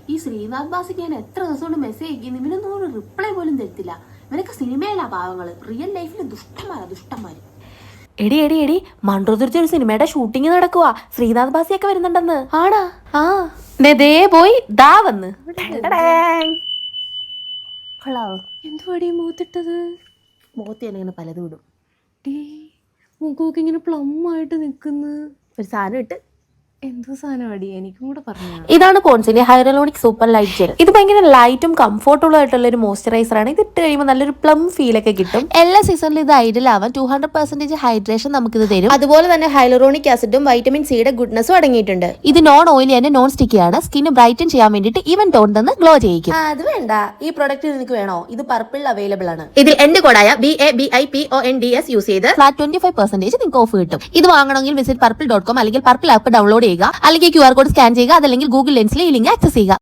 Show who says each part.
Speaker 1: ഈ ശ്രീനാഥ് ബാസിക്ക് ഞാൻ എത്ര ദിവസം കൊണ്ട് മെസ്സേജ് അയക്കുന്നു, ഇവനൊന്നും ഒരു റിപ്ലൈ പോലും തരത്തില്ല. ഇവനൊക്കെ സിനിമയിലാ പാവങ്ങള്, റിയൽ ലൈഫിൽ ദുഷ്ടന്മാര്.
Speaker 2: എടി എടി എടി മൺട്രോതുരിച്ച ഒരു സിനിമയുടെ ഷൂട്ടിംഗ് നടക്കുവാ. ശ്രീനാഥ് ബാസിയൊക്കെ വരുന്നുണ്ടെന്ന്. ആടാ? ആ ദേ പോയി ദാ വന്ന്.
Speaker 1: എന്തുവാടി മൂത്തിട്ടത്? മുഖത്ത് ഞാനിങ്ങനെ പലതും ഇടും.
Speaker 2: മുഖമൊക്കെ ഇങ്ങനെ പ്ലം ആയിട്ട് നിൽക്കുന്നു.
Speaker 1: ഒരു സാധനം ഇട്ട്
Speaker 2: എന്തോ സാധനം അടി, എനിക്കും കൂടെ പറഞ്ഞു. ഇതാണ് പോൺസിന്റെ ഹൈറലോണിക് സൂപ്പർ ലൈറ്റ് ജെൽ. ഇത് ഭയങ്കര ലൈറ്റും കംഫർട്ടബിൾ ആയിട്ടുള്ള ഒരു മോയ്സ്ചറൈസർ ആണ്. ഇത് ഇട്ട് കഴിയുമ്പോൾ നല്ലൊരു പ്ലം ഫീൽ ഒക്കെ കിട്ടും. എല്ലാ സീസണിലും ഇത് ഐഡിയൽ ആവാൻ 200% ഹൈഡ്രേഷൻ നമുക്കിത് തരും. അതുപോലെ തന്നെ ഹൈലറോണിക് ആസിഡും വൈറ്റമിൻ സിയുടെ ഗുഡ്നസും അടങ്ങിയിട്ടുണ്ട്. ഇത് non oily and non sticky ആണ്. സ്കിന്ന് ബ്രൈറ്റൻ ചെയ്യാൻ വേണ്ടിയിട്ട് ഈവൻ ടോൺ തന്ന് ഗ്ലോ ചെയ്യിക്കും.
Speaker 1: അത് വേണ്ട, ഈ പ്രൊഡക്റ്റ് നിനക്ക് വേണോ? ഇത് പർപ്പിൾ അവൈലബിൾ ആണ്.
Speaker 2: ഇതിൽ എന്റെ കോഡായ BABIPONDS യൂസ് ചെയ്ത് ഫ്ലാറ്റ് 25% നിങ്ങൾക്ക് ഓഫ് കിട്ടും. ഇത് വാങ്ങണമെങ്കിൽ വിസിറ്റ് purple.com അല്ലെങ്കിൽ പർപ്പിൾ ആപ്പ് ഡൗൺലോഡ് ചെയ്യുക, അല്ലെങ്കിൽ QR കോഡ് സ്കാൻ ചെയ്യുക, അതല്ലെങ്കിൽ ഗൂഗിൾ ലെൻസിലെ ഈ ലിങ്ക് ആക്സസ് ചെയ്യുക.